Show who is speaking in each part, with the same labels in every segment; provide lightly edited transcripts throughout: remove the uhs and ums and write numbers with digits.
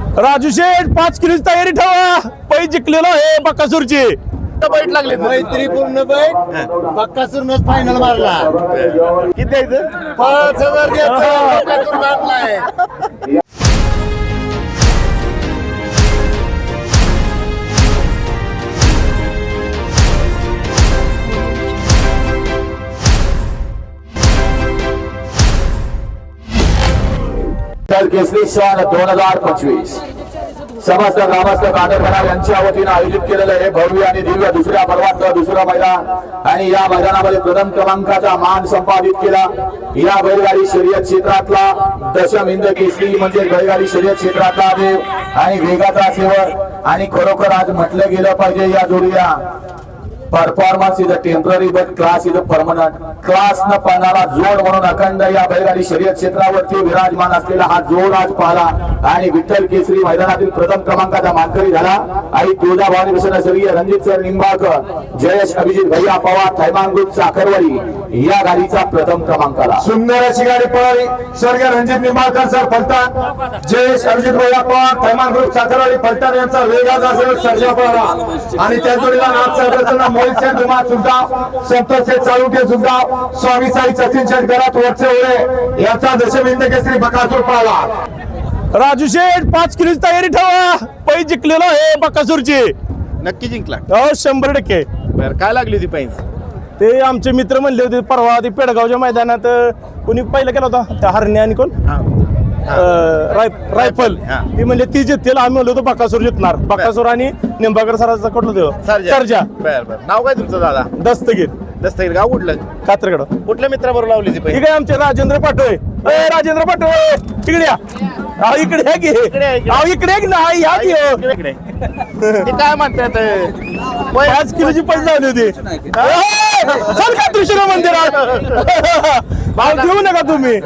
Speaker 1: राजू शेठ 5 किलोची तयारी ठेवा. पै जिंकलेलो आहे बकासूरची.
Speaker 2: बैठ लागले
Speaker 3: मैत्रीपूर्ण बैठ बक्कासूरनच फायनल मारला.
Speaker 2: किती द्यायचं
Speaker 3: 5,000 द्यायचं. बक्कासूर मारलाय.
Speaker 4: केसरी सन 2025 समस्त ग्रामस्थ कादरखडा यांच्या वतीनं आयोजित केलेलं हे भव्य आणि दिव्य दुसऱ्या पर्वातलं दुसरं मैदान आणि या मैदानामध्ये प्रथम क्रमांकाचा मान संपादित केला. या बैलगाडी शर्यत क्षेत्रातला दशम हिंद केसरी म्हणजे बैलगाडी शर्यत क्षेत्रातला देव आणि वेगाचा सेवक आणि खरोखर आज म्हटलं गेलं पाहिजे या जोडीला performance is a temporary but class is a permanent. Class न पाहणारा जोड म्हणून अखंड या बैलगाडी शर्यत क्षेत्रावरती विराजमान असलेला हा जोड आज पाहला आणि विठ्ठल केसरी मैदानातील प्रथम क्रमांकाचा मानकरी झाला. आणि तुळजाभवानी मिशन स्वर्गीय रणजित सर निंबाळकर, जयेश अभिजित भैया पवार, थैमान ग्रुप साखरवाडी या गाडीचा प्रथम क्रमांकाला.
Speaker 3: सुंदर अशी गाडी पळाली. स्वर्गीय रणजित निंबाळकर सर फलटण, जयेश अभिजित भैया पवार, थैमान ग्रुप साखरवाडी फलटण यांचा वेगाचा सर्जा पळाला. आणि त्या जोडीला नाथ साहेब मोहित शेठ धुमाळ सुद्धा, संतोष शेठ चालुके सुद्धा, स्वामी साई सचिन शेठ घरात वरचे ओळे याचा दशम हिंद केसरी बकासूर पळाला.
Speaker 1: राजू शेठ 5 किलोची तयारी ठेवा. पै जिंकलेलो आहे बकासूरची.
Speaker 2: नक्की जिंकला.
Speaker 1: हो 100%.
Speaker 2: बर काय लागली होती पैंज?
Speaker 1: ते आमचे मित्र म्हणले होते परवा ते पेडगावच्या मैदानात कोणी पहिला केला होता त्या हरण्या आणि कोण रायफल ती म्हणजे ती जिंकतील. आम्ही म्हणलो होतो बकासूर जिंकणार. बकासूर आणि निंबाळकर सरांचा कुठलं देव सर्जा.
Speaker 2: बर बर. नाव काय तुमचं दादा?
Speaker 1: दस्तगीर.
Speaker 2: दस्तगीर. गाव कुठलं?
Speaker 1: कात्रगड.
Speaker 2: कुठल्या मित्राबरोबर लावली ती
Speaker 1: ठीक
Speaker 2: पैंज?
Speaker 1: आहे आमचे राजेंद्र पाटोळे. राजेंद्र पाटोळे इकडे या. इकडे या की इकडे की नाही या की हो.
Speaker 2: इकडे. ते काय म्हणतात
Speaker 1: 5 किलोची पैसे लावली होती. चल का त्रिशूर मंदिरात भाव देऊ नका तुम्ही.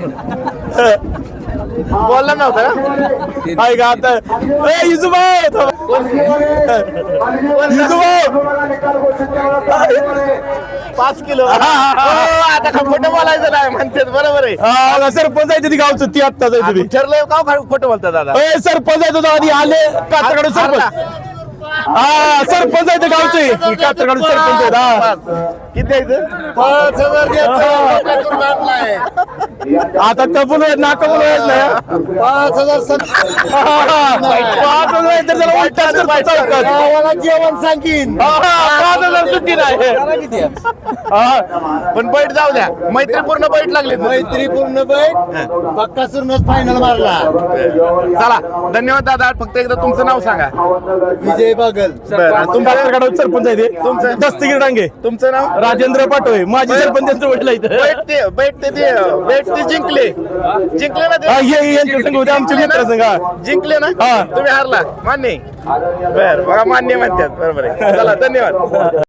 Speaker 2: बोलला नव्हता का?
Speaker 1: आहे का आता इजुभाऊ
Speaker 2: 5 किलो. आता का खोटं बोलायचं नाही म्हणते. बरोबर आहे.
Speaker 1: सरपंच आहे ती गावचं ती आत्ताच आहे तुम्ही.
Speaker 2: ठरलंय का खोटं बोलता दादा?
Speaker 1: सरपंच आहे तो आधी आले कात्रगड सरपंच. सरपंच आहे ते गावचे कात्रगड सरपंच आहेत.
Speaker 2: किती द्यायचं
Speaker 3: 5,000 द्यायचं. बक्कासूर मारलाय.
Speaker 1: आता कबूल होत ना कबूल होत नाही.
Speaker 3: 5,000
Speaker 1: 5,000 तर त्याला उलटाच करतो चौकात.
Speaker 3: गावाला जेवण सांगीन.
Speaker 1: 5,000 सुट्टी नाही.
Speaker 2: पण बैठ जाऊ द्या. मैत्रीपूर्ण बैठ लागले.
Speaker 3: मैत्रीपूर्ण बैठ बक्कासूरनच फायनल मारला.
Speaker 2: चला धन्यवाद दादा. फक्त एकदा तुमचं नाव सांगा.
Speaker 3: विजय बागल.
Speaker 1: तुमच्या कात्रगड सरपंच आहे ते
Speaker 2: तुमचं?
Speaker 1: दस्तगीर डांगे.
Speaker 2: तुमचं नाव?
Speaker 1: राजेंद्र पाटोळे माजी सरपंच वडील इथं.
Speaker 2: बैठ ते जिंकले ना ते?
Speaker 1: यांच्या संघ होते आमचे मित्र संघ.
Speaker 2: जिंकले ना?
Speaker 1: हा.
Speaker 2: तुम्ही हारला. मान्य. बर बघा मान्य म्हणतात. बरोबर आहे. चला धन्यवाद.